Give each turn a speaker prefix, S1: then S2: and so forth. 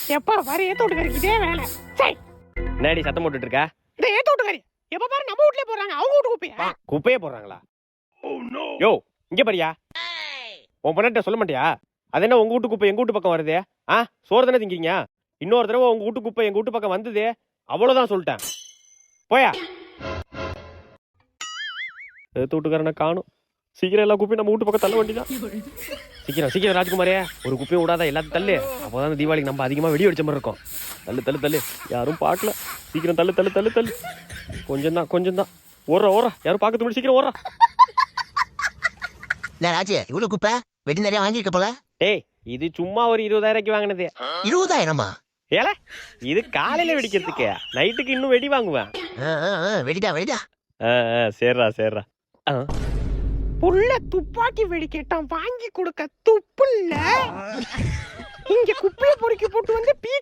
S1: எப்ப பாரு ஏத்த விட்டுக்காரி இதே வேலை. சரி
S2: என்னடி சத்தம் போட்டுட்டு இருக்கா?
S1: இந்த ஏத்த விட்டுக்காரி எப்ப பாரு நம்ம வீட்லயே போறாங்க, அவங்க வீட்டு குப்பையா?
S2: குப்பையே போடுறாங்களா? யோ இங்க பாரியா, உன் பொண்ணாட்ட சொல்ல மாட்டியா? அது என்ன உங்க வீட்டு குப்பை எங்க வீட்டு பக்கம் வருது? சோறு தானே திங்கிங்க. இன்னொரு தடவை உங்க வீட்டு குப்பை எங்க வீட்டு பக்கம் வந்தது, அவ்வளவுதான் சொல்லிட்டேன். போயா. எடுத்து வீட்டுக்காரனை காணும். சீக்கிரம் எல்லா குப்பையும் நம்ம வீட்டு பக்கம் தள்ள வேண்டியதான். சீக்கிரம் சீக்கிரம் ராஜ்குமாரே, ஒரு குப்பையும் விடாத, எல்லாத்தையும் தள்ளு. அப்போதான் தீபாவளிக்கு நம்ம அதிகமா வெடி வெடிச்ச மாதிரி இருக்கும். தள்ளு தள்ளு தள்ளு, யாரும் பார்க்கல. சீக்கிரம் தள்ளு தள்ளு தள்ளு தள்ளு. கொஞ்சம் தான் ஓடுற யாரும் பார்க்கறது முடியும். சீக்கிரம் ஓடுறா.
S3: ராஜு, இவ்வளவு குப்பை வெடி நிறைய வாங்கியிருக்க போல.
S2: டேய், இது சும்மா ஒரு 20,000 வாங்கினது.
S3: 20,000மா?
S2: ஏல, இது காலையில வெடிக்கிறதுக்கு, நைட்டுக்கு இன்னும் வெடி வாங்குவேன்.
S3: வெடிடா.
S2: சரிடா.
S1: புள்ள துப்பாக்கி வெடி கேட்டான், வாங்கி கொடுக்க துப்பு இல்ல. இங்க குப்பையை பொறுக்கி போட்டு வந்து பீ